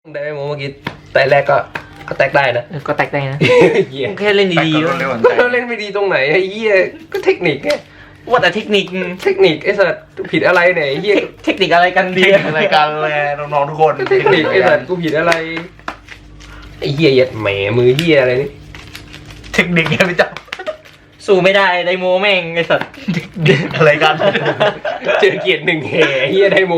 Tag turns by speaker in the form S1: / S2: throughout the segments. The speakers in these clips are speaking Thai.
S1: ได้ไหมโมเมื่อกี้แต่แรกก็แตกได้นะ
S2: ก็แตกได้นะ
S1: เหี้ย
S2: แค่เล่นดีๆ
S1: ก็เล่นไม่ดีตรงไหนไอ้เหี้ยก็เทคนิคไง
S2: ว่าแต่เทคนิค
S1: ไอ้สัตว์ผิดอะไรเนี่ยไอ้เหี้ย
S2: เทคนิคอะไรกันดี
S3: รายการเลยน้องๆทุกคน
S1: เทคนิคไอ้สัตว์กูผิดอะไรไอ้เหี้ยยัดแหมมือเหี้ยอะไรนี่
S3: เทคนิคเนี่ยพี่จับ
S2: สู้ไม่ได้ไดโมแม่งไอ้สัตว์
S3: รายการ
S1: เจอเกียรติหนึ่งแห่เหี้ยได้โม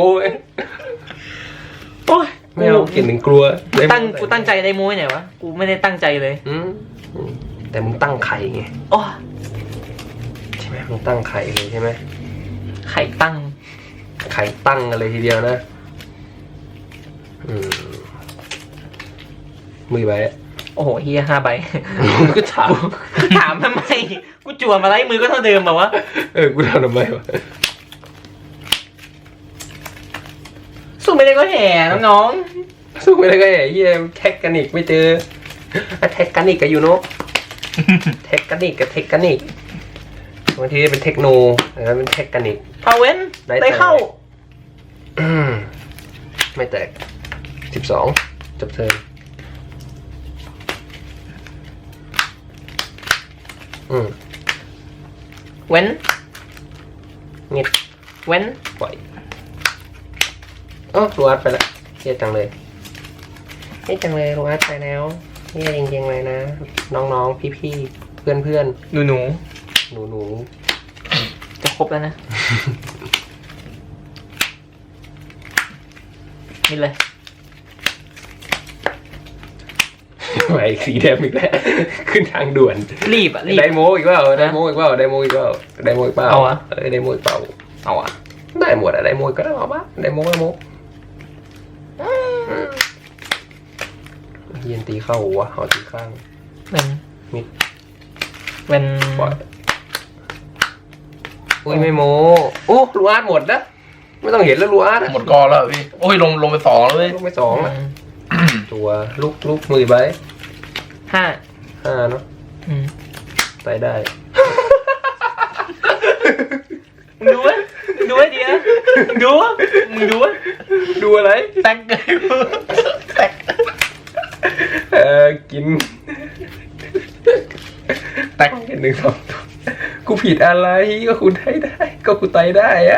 S2: โอ้ย
S1: ไม่เอาเกียรติหนึ่งกลัวได้โม่
S2: กูตั้งใจไดโมไหนวะกูไม่ได้ตั้งใจเลย
S1: แต่มึงตั้งไข่ไง
S2: โอ้
S1: ใช่ไหมมึงตั้งไข่เลยใช่ไหม
S2: ไข่ตั้ง
S1: ไข่ตั้งกันเลยทีเดียวนะมือไป
S2: โอ้โหเฮีย5 ใบ
S1: ก็ถาม
S2: ถามทำไมกูจั่วมาไล่มือก็เท่าเดิมแบบวะ
S1: กูทำทำไมวะ
S2: สู้ไม่ได้ก็แห่น้อง
S1: สู้ไม่ได้ก็ไอ้เหี้ยเทคนิคไม่เจอเทคนิคกับยูโนเทคนิคกับเทคนิคบางทีเป็นเทคโนแล้วเป็นเทคนิค
S2: ๆพาเว้นได้เข้า
S1: ไม่แตก12จบเทิร์น
S2: เว้น
S1: เงียบ
S2: เว้น
S1: ปล่อยรูอาร์ตไปละเฮียจังเลยเฮียจังเลยรูอาร์ตไปแล้วเฮียจริงๆเลยนะน้องๆพี่ๆเพื่อนๆ
S2: หนู
S1: หนู
S2: จะครบแล้วนะนี่เลย
S1: ไปสีแดงอีกแล้วขึ้นทางด่วน
S2: รีบอ่ะรีบ
S1: ไดโมอีกเปล่าไดโมอีกเปล่าไดโมอีกเปล่าไดโมอีกเปล่า
S2: เอาอะ
S1: ไดโมอีกเปล่า
S2: เอาอ่ะ
S1: ได้หมดอะไดโมก็ได้เอาปะไดโมเย็นตีเข้าวะเอาตีข้าง
S2: เป็น
S1: มิด
S2: เป็น
S1: ปล่อยอุ้ยไม่โมรูอาร์ตหมดนะไม่ต้องเห็นแล้วรูอาร์ต
S3: หมดกอแล้วพี่โอ้ยลงไป2แล้วเว้ย
S1: ลูกไม่2อ่ะตัวลูกมือใบ
S2: 5
S1: 5เนาะไปได้
S2: มึงดูไว้ดูไว้ดีนะดูมึงดูไว้
S1: ดูอะไร
S2: แตกเลยแตก
S1: กินแตกกัน1 2ตัวกูผิดอะไรก็คุณได้ก็กูไตได้อะ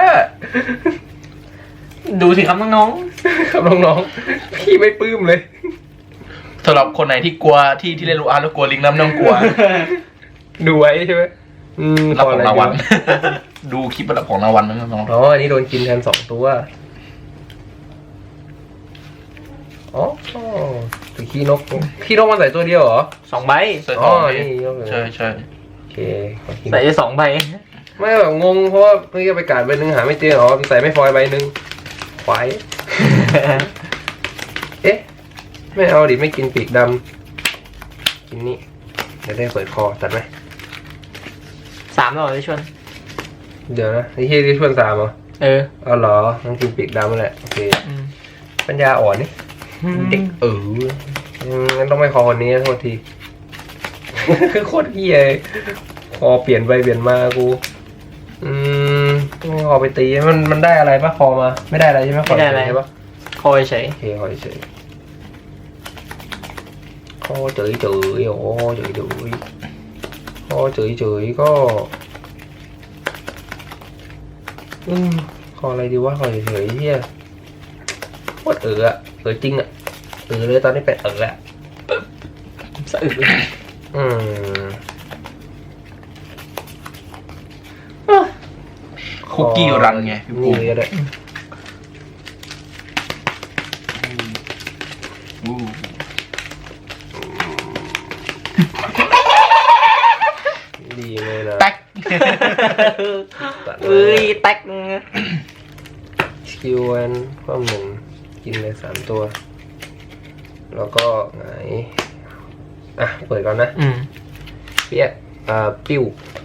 S2: ดูสิครับน้อง
S1: ครับน้องๆพี่ไม่ปลื้มเลย
S3: สำหรับคนไหนที่กลัวที่เล่นลูอาร์แล้วกลัวลิงน้ำไม่ต้องกลัว
S1: ดูไว้ใช่ไหม
S3: รับของรางวัลดูคลิปรับของรางวัลนะน้อง
S1: อันนี้โดนกินแทน2 ตัวตัวขี้นกมันใส่ตัวเดียวเหรอ
S2: 2 ใบ
S3: ใส่ทอง
S1: นี่ยก
S3: ใช่ใช่
S1: โอเคขอขี้น
S2: ใส่
S1: ก
S2: ได้2 ใบ
S1: ไม่แบบงงเพราะว่าเพิ่งจะไปการใบหนึ่งหาไม่เจอมันใส่ไม่ฟอยใบหนึ่งควายไม่เอาดิไม่กินปีกดำกินนี่เดี๋ยวได้เปิดคอตัดไหม
S2: 3แล้วเหรอที่ชวน
S1: เดี๋ยวนะนี่ที่ชวน3เหรอเอาเหรอต้องกินปีกดำนั่นแหละโอเคปัญญาอ่อนนี่เด็กงั้นต้องไม่คอคนนี้โทษที โคตรเหี้ยคอเปลี่ยนไปเปลี่ยนมากูต้องคอไปตีมันได้อะไรปะคอมาไม่ได้อะไรใช่ไหมคอ
S2: ไม่ได้อะไร
S1: ใช่ปะ
S2: คอยเฉย
S1: โอเคคอเฉยคอเฉยคอเฉยก็คออะไรดีวะคอเฉยเฮียโคตรจริงอะเลยตอนนี้เป็นอะ
S2: สะอึกเลย
S3: คุกกี้รันไงพี่ปู
S1: นี่ก็ได้ดีเลยนะ
S3: แตก
S2: แตก
S1: สกิลวันความหนึ่งกินเลย3 ตัว แล้วก็ไงเปิดก่อนนะเปี้ยปิ้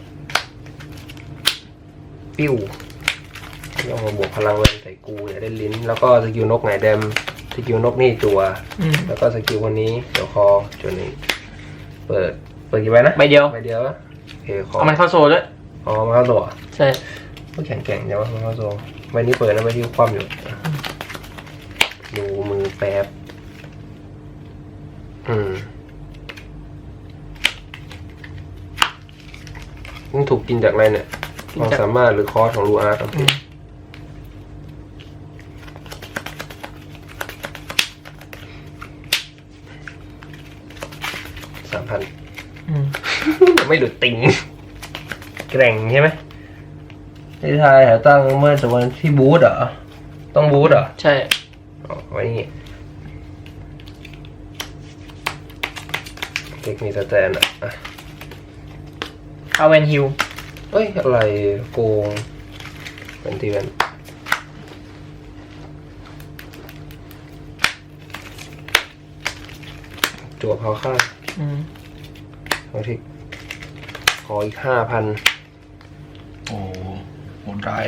S1: วย่อมาบวกพลังแวนใส่กูอย่าได้ลิ้นแล้วก็สกิลนกไงแดมสกิลนกนี่จัวแล้วก็สกิลคนนี้เดี๋ยวคอจนนี้เปิดกี่ใบนะ
S2: ใบเดียว
S1: โอเคคอ
S2: เอามันเข้าโซด้วย
S1: มันเข้าตัว
S2: ใช่
S1: ก็แข็งจังวะมันเข้าตัวใบนี้เปิดนะใบที่คว่ำอยู่ดูมือแป๊บมันถูกกินจากอะไรเนี่ยความสามารถหรือคอร์สของลูอาร์ตโอเค3,000ไม่หลุดติ่งแกร่งใช่ไหมที่ไทยตั้งเมื่อแต่วันที่บูธเหรอต้องบูธเหรอ
S2: ใช่
S1: อ๋อไว้นี่เทคนิคสแตนอ่ะ
S2: เอาเวนฮิล
S1: เอ้ยอะไรโกงเป็นทีเป็นจั่วเผาข้างเอาทิกขออีก5,000
S3: โอ้โหดร้าย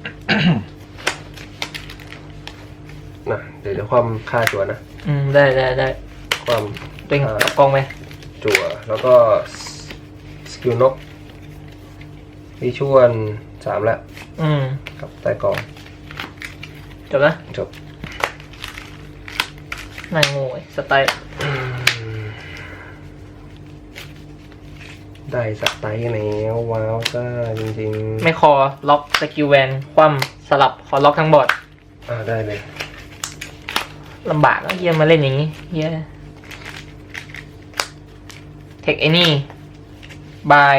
S1: นะเดี๋ยวจะความค่าจั่วนะ
S2: ได้
S1: ความ
S2: เต็งกับกองไหม
S1: จั่วแล้วก็สกิลนกวิชวล3แล้วกับใต้กอง
S2: จบนะ
S1: จบ
S2: นายโง่สไตล์
S1: ได้สไตล์แล้วว้าวซ่าจริงๆ
S2: ไม่คอล็อกสกิลแวนคว่ำสลับขอล็อกทั้งบอร์ด
S1: ได้เลย
S2: ลำบากเฮียมาเล่นอย่างนี้เฮียเทคไอ้นี่บาย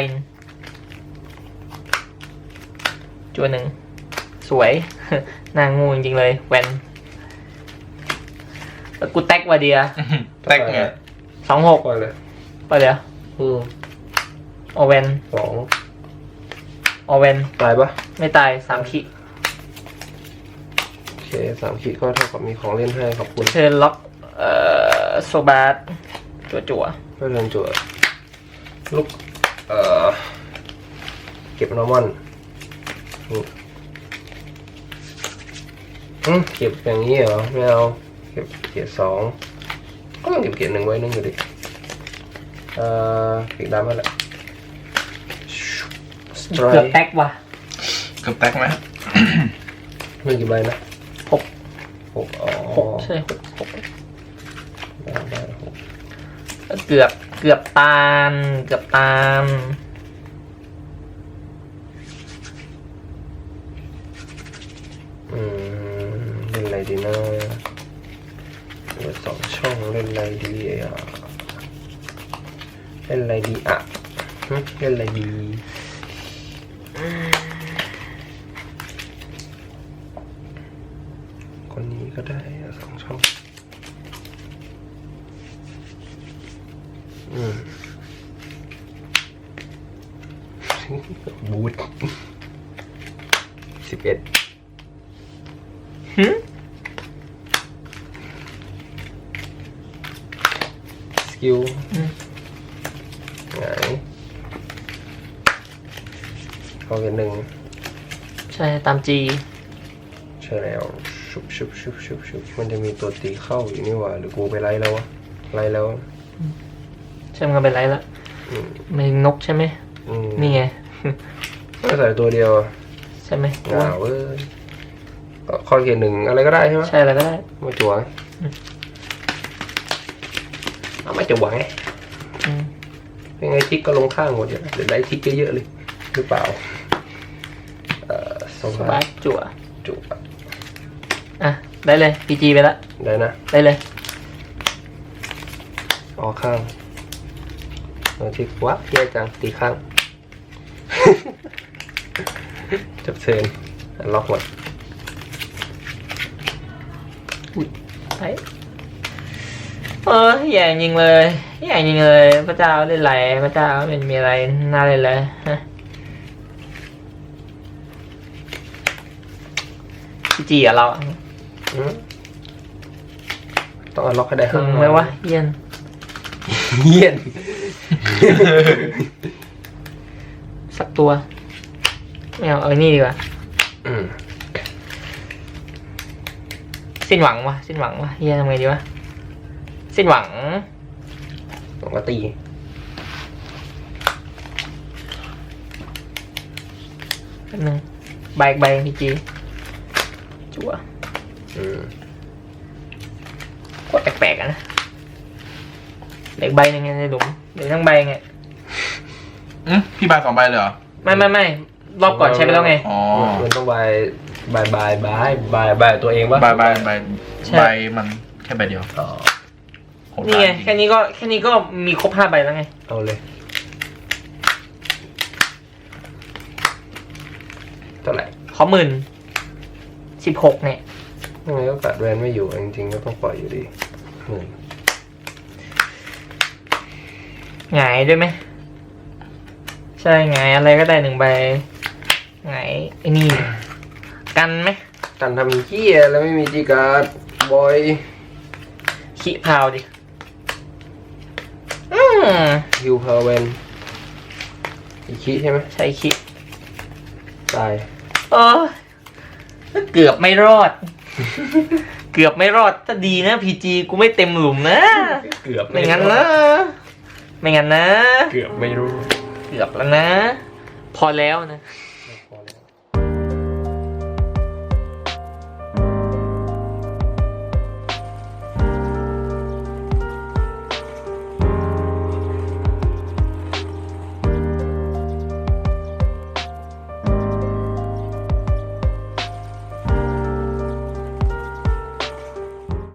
S2: จัวหนึ่งสวย นางงูจริงๆเลยแวนแล้วกูแท็กว่าเดีย
S3: แท็กไง
S2: 26
S1: ไปเลย
S2: ไปเลยออเวน
S1: 2
S2: ออเวน
S1: ตายปะ
S2: ไม่ตาย3 ขีด
S1: โอเค3 ขีดก็เท่ากับมีของเล่นให้ขอบคุณ
S2: เชิญล็อกโซบาร์จั่ว
S1: เพื่อเล่นจั่วลูกเก็บนอร์มอนเก็บอย่างนี้เหรอไม่เอาเก็บเกียร์2ก็ต้องเก็บเกียร์1ไว้นึงอยู่ดิเก็บดำมาแหละ
S2: เกือบแท็กว่ะ
S3: เกือบแท็กไหม
S1: มีกี่ใบนะ
S2: 6ใช่6
S1: ได้
S2: เกือบตาม
S1: เล่นอะไรดีนะเหลือ2 ช่องเล่นอะไรดีเล่นอะไรดีเล่นอะไรดีคนนี้ก็ได้2 ช่องบูท11สกิลไงเขาเห็น1
S2: ใช่ตามจี
S1: ใช่แล้วชุบมันจะมีตัวตีเข้าอยู่นี่หว่าหรือกูไปไล่แล้ววะไล่แล้ว
S2: ใช่มันไปไล่แล้วไม่นกใช่ไหมนี่ไง
S1: ก็ใส่ตัวเดียว
S2: ใช่ไหม
S1: ว้าวข้อเขียน1อะไรก็ได้ใช่ไหม
S2: ใช่อะไรก็ได้
S1: มาจั่วเอามาจั่วไงเป็นไงทิกก็ลงข้างหมดเดี๋ยวได้ทิกเยอะๆเลยหรือเปล่า
S2: สบายจั่วได้เลยพีจีไปแล้ว
S1: ได้นะ
S2: ได้เลย
S1: ออกข้างทิกวะเยอะจังตีข้างจับเชิญล็อกหมด
S2: ไปแย่ยิงเลยพระเจ้าเล่นไรพระเจ้าเป็นมีอะไรน่าเล่นเลยจีอะเรา
S1: ต้องเอาล็อกให้ได้
S2: ถึงไหมวะเย็นสักตัวไม่เอานี่ดีกว่าสิ้นหวังวะเฮียทำไงดีวะสิ้นหวัง
S1: ต้องมาตี
S2: แป๊บนึงใบพีจีจั่วโคตรแปลกๆนะเหล็กใบหนึงไงในหลุมเหล็กทั้งใบไง
S3: พี่บาย2 ใบเลยเหรอ
S2: ไม่รอบก่อนใช้ไปแล้วไง
S3: อ๋อ
S1: มันต้องบายตัวเองปะ
S3: ใบ
S2: ใช่
S3: ใบมันแค่ใบเดียว
S1: อ๋อ
S3: โหด
S2: นี่ไง
S3: ร้ายจริ
S2: แค่นี้ก็มีครบ5 ใบแล้วไง
S1: เอาเลยเท่าไหร่
S2: ขอ16,000เนี่ย
S1: ยังไงก็กัดแวนไม่อยู่จริงๆก็ต้องปล่อยอยู่ดี10,000
S2: หงายด้วยไหมใช่หงายอะไรก็ได้1 ใบหงายไอ้นี่กันไหม
S1: กันทำเหี้ยแล้วไม่มีจีการ์ดบอย
S2: ขี้พาวดิ
S1: ฮิวพาวเวนอีกคีใช่ไหม
S2: ใช่ขี้
S1: ตาย
S2: เกือบไม่รอด เกือบไม่รอดถ้าดีนะพีจีกูไม่เต็มหลุมนะ
S1: เกือบ
S2: ไม่งั้นนะไม่งั้นนะ
S1: เกือบไม่รู้
S2: เกือบแล้วนะ พอแล้วนะ